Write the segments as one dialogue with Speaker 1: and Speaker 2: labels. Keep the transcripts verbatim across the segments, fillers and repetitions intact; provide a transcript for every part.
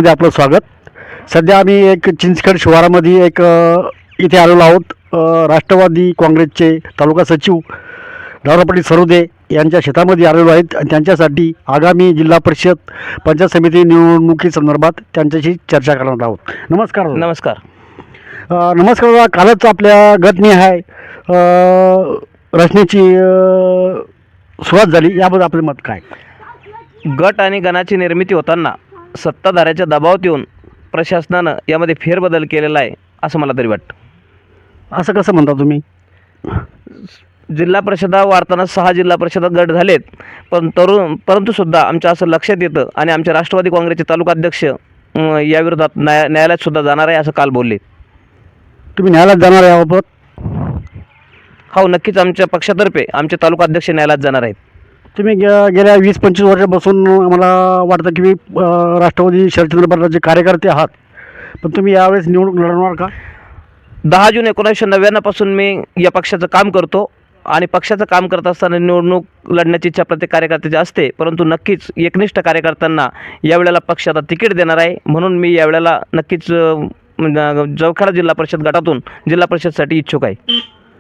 Speaker 1: मध्ये आपलं स्वागत. सध्या आम्ही एक चिंचखेड शिवारामध्ये एक अ, इथे आलेलो आहोत. अ, राष्ट्रवादी काँग्रेसचे तालुका सचिव दादा पाटील सरोदे यांच्या शेतामध्ये आलेलो आहेत आणि त्यांच्यासाठी आगामी जिल्हा परिषद पंचायत समिती निवडणुकीसंदर्भात त्यांच्याशी चर्चा करणार आहोत. नमस्कार दादा.
Speaker 2: नमस्कार.
Speaker 1: अ, नमस्कार दादा. कालच आपल्या गटनिहाय अ, रचनेची अ, सुरुवात झाली, याबद्दल आपलं मत काय?
Speaker 2: गट आणि गणाची निर्मिती होताना सत्ताधाऱ्याच्या दबावात येऊन प्रशासनानं यामध्ये फेरबदल केलेला आहे असं मला तरी वाटतं.
Speaker 1: असं कसं म्हणता तुम्ही?
Speaker 2: जिल्हा परिषदा वाढताना सहा जिल्हा परिषदा गट झालेत, पण तरुण परंतु सुद्धा आमच्या असं लक्षात येतं आणि आमचे राष्ट्रवादी काँग्रेसचे तालुकाध्यक्ष अं, याविरोधात न्याय न्यायालयात सुद्धा जाणार आहे असं काल बोलले.
Speaker 1: तुम्ही न्यायालयात जाणार आहे याबाबत?
Speaker 2: हो, नक्कीच आमच्या पक्षातर्फे आमचे तालुकाध्यक्ष न्यायालयात जाणार आहेत.
Speaker 1: तुम्ही गे गेल्या वीस पंचवीस वर्षापासून मला वाटतं की मी अ, राष्ट्रवादी शरदचंद्र पवारचे कार्यकर्ते आहात, पण तुम्ही यावेळेस निवडणूक लढवणार का?
Speaker 2: दहा जून एकोणीसशे नव्याण्णवपासून मी या पक्षाचं काम करतो आणि पक्षाचं काम करत असताना निवडणूक लढण्याची इच्छा प्रत्येक कार्यकर्त्याची असते, परंतु नक्कीच एकनिष्ठ कार्यकर्त्यांना यावेळेला पक्ष आता तिकीट देणार आहे. म्हणून मी यावेळेला नक्कीच अ, जवखेडा जिल्हा परिषद गटातून जिल्हा परिषदसाठी इच्छुक आहे.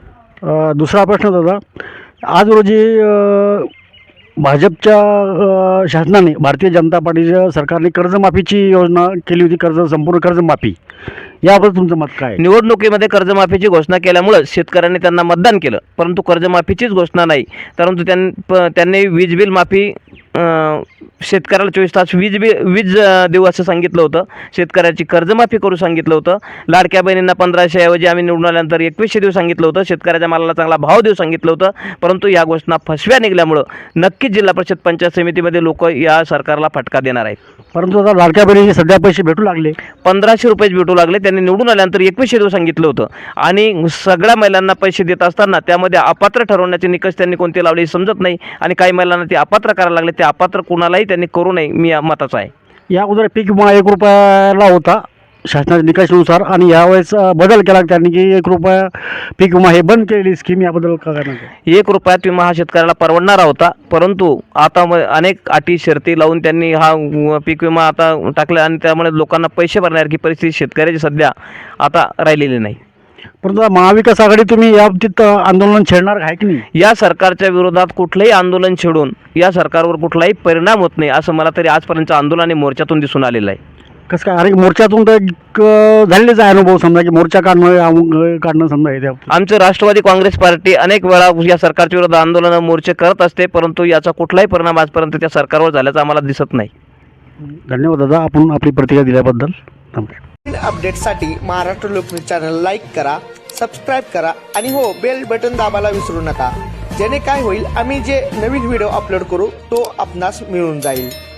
Speaker 1: अ, दुसरा प्रश्न दादा, आज रोजी अ, भाजपच्या अ, शासनाने भारतीय जनता पार्टीच्या सरकारने कर्जमाफीची योजना केली होती, कर्ज संपूर्ण कर्जमाफी, याबद्दल तुमचं मत काय आहे?
Speaker 2: निवडणुकीमध्ये कर्जमाफीची घोषणा केल्यामुळं शेतकऱ्यांनी त्यांना मतदान केलं, परंतु कर्जमाफीचीच घोषणा नाही. परंतु त्यां प त्यांनी वीज बिल माफी अं, शेतकऱ्याला चोवीस तास वीज बि वीज अं, देऊ असं सांगितलं होतं. शेतकऱ्याची कर्जमाफी करू सांगितलं होतं. लाडक्या बहिणींना पंधराशे ऐवजी आम्ही निवडून आल्यानंतर एकवीसशे देऊ सांगितलं होतं. शेतकऱ्याच्या मालाला चांगला भाव देऊ सांगितलं होतं. परंतु या घोषणा फसव्या निघाल्यामुळं नक्कीच जिल्हा परिषद पंचायत समितीमध्ये लोक या सरकारला फटका देणार आहेत.
Speaker 1: परंतु आता लाडक्या बहिणीचे सध्या पैसे भेटू लागले,
Speaker 2: पंधराशे रुपयेच भेटू लागले. त्यांनी निवडून आल्यानंतर एकवीसशे देऊ सांगितलं होतं आणि सगळ्या महिलांना पैसे देत असताना त्यामध्ये अपात्र ठरवण्याचे निकष त्यांनी कोणते लावले हे समजत नाही आणि काही महिलांना ते अपात्र करायला लागले. ते अपात्र कोणालाही त्यांनी करू नये, मी या मताचा आहे.
Speaker 1: या अगोदर पीक विमा एक रुपयाला होता शासनाच्या निकषानुसार, आणि यावेळेस अ, बदल केला त्यांनी की एक रुपया पीक विमा हे बंद केलेली स्कीम, याबद्दल काय करणार?
Speaker 2: एक रुपयात विमा हा शेतकऱ्याला परवडणारा होता, परंतु आता म अनेक अटी शर्ती लावून त्यांनी हा व पीक विमा आता टाकला आणि त्यामुळे लोकांना पैसे भरण्यासारखी परिस्थिती शेतकऱ्याची सध्या आता राहिलेली नाही.
Speaker 1: परंतु महाविकास आघाडी तुम्ही या बाबतीत अ, आंदोलन छेडणार आहे की नाही?
Speaker 2: या सरकारच्या विरोधात कुठलंही आंदोलन छेडून या सरकारवर कुठलाही परिणाम होत नाही असं मला तरी आजपर्यंत आंदोलन आणि मोर्चातून दिसून आलेलं आहे.
Speaker 1: कसं काय? अरे मोर्चातून तर एक, अ, झालेलेच आहे अनुभव, समजा की मोर्चा काढणं अ, काढणं समजा हे त्या बाबतीत.
Speaker 2: आमचं राष्ट्रवादी काँग्रेस पार्टी अनेक वेळा या सरकारच्या विरोधात आंदोलन मोर्चे करत असते, परंतु याचा कुठलाही परिणाम आजपर्यंत त्या सरकारवर झाल्याचा आम्हाला दिसत नाही.
Speaker 1: धन्यवाद दादा, आपण आपली प्रतिक्रिया दिल्याबद्दल. नमस्कार.
Speaker 3: अपडेटसाठी महाराष्ट्र लोकन्यूज चॅनल लाईक करा, सबस्क्राईब करा आणि हो, बेल बटन दाबायला विसरू नका. जेणे काय होईल, आम्ही जे नवीन व्हिडिओ अपलोड करू तो आपणास मिळून जाईल.